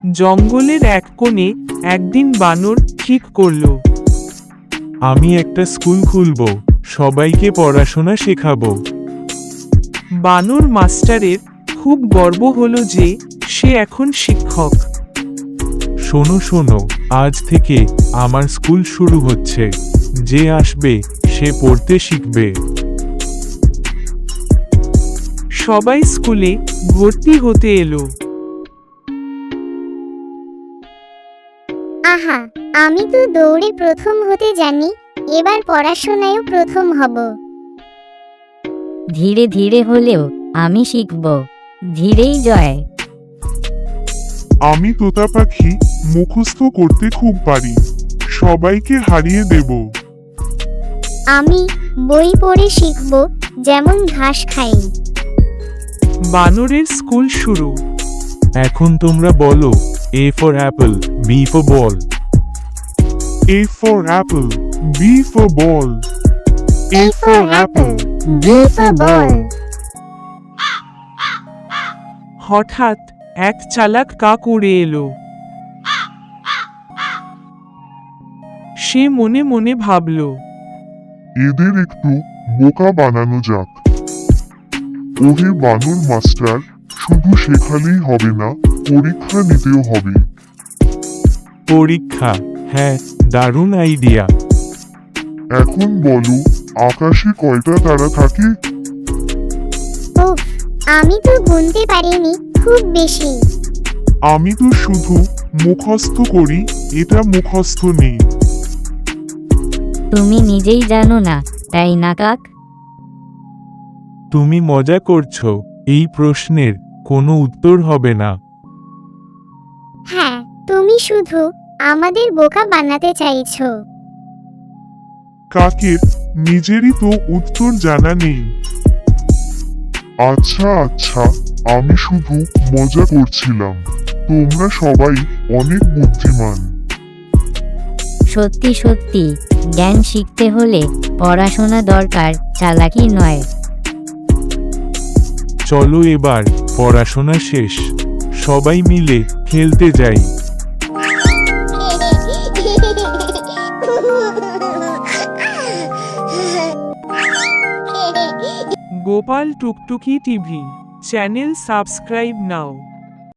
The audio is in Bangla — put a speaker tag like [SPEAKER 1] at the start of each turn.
[SPEAKER 1] জঙ্গলের এক কোণে একদিন বানর ঠিক করল,
[SPEAKER 2] আমি একটা স্কুল খুলব, সবাইকে পড়াশোনা শেখাবো।
[SPEAKER 1] বানর মাস্টারের খুব গর্ব হলো যে সে এখন শিক্ষক।
[SPEAKER 2] শোনো শোনো, আজ থেকে আমার স্কুল শুরু হচ্ছে। যে আসবে সে পড়তে শিখবে।
[SPEAKER 1] সবাই স্কুলে ভর্তি হতে এলো।
[SPEAKER 3] আহা, আমি তো দৌড়ে প্রথম হতে জানি, এবার পড়াশোনায়ও প্রথম হব।
[SPEAKER 4] ধীরে ধীরে হলেও আমি শিখব, ধীরেই জয়।
[SPEAKER 5] আমি তোতা পাখি মুখস্থ করতে খুব পারি, সবাইকে হারিয়ে দেব।
[SPEAKER 3] আমি বই পড়ে শিখব, যেমন ঘাস খাই।
[SPEAKER 1] বানরের স্কুল শুরু।
[SPEAKER 2] এখন তোমরা বলো, A for apple, B for ball.
[SPEAKER 5] A for apple, B for ball.
[SPEAKER 3] A for apple, B for ball.
[SPEAKER 1] হঠাৎ এক চালাক কাক উড়ে এলো। সে মনে মনে ভাবল,
[SPEAKER 5] এদের একটু বোকা বানানো যাক। ওহে বানর মাস্টার, শুধু শেখালেই হবে না, পরীক্ষা নিতেও হবে।
[SPEAKER 2] পরীক্ষা? হ্যাঁ, দারুণ আইডিয়া।
[SPEAKER 5] এখন বলো, আকাশে কয়টা তারা থাকে?
[SPEAKER 3] উফ, আমি তো গুনতে পারিনি, খুব বেশি।
[SPEAKER 5] আমি তো শুধু মুখস্থ করি, এটা মুখস্থ নেই।
[SPEAKER 4] তুমি নিজেই জানো না, তাই না কাক?
[SPEAKER 2] তুমি মজা করছো, এই প্রশ্নের কোনো উত্তর হবে না।
[SPEAKER 3] হ্যাঁ, তুমি শুধু আমাদের বোকা বানাতে চাইছো।
[SPEAKER 5] কাকের নিজেরই তো উত্তর জানা নেই। আচ্ছা আচ্ছা, আমি শুধু মজা করছিলাম। তোমরা সবাই অনেক বুদ্ধিমান।
[SPEAKER 4] সত্যি সত্যি, জ্ঞান শিখতে হলে পড়াশোনা দরকার, চালাকি নয়।
[SPEAKER 2] চলো এবার পড়াশোনা শেষ, সবাই মিলে খেলতে যাই।
[SPEAKER 1] গোপাল টুকটুকি টিভি চ্যানেল সাবস্ক্রাইব নাও।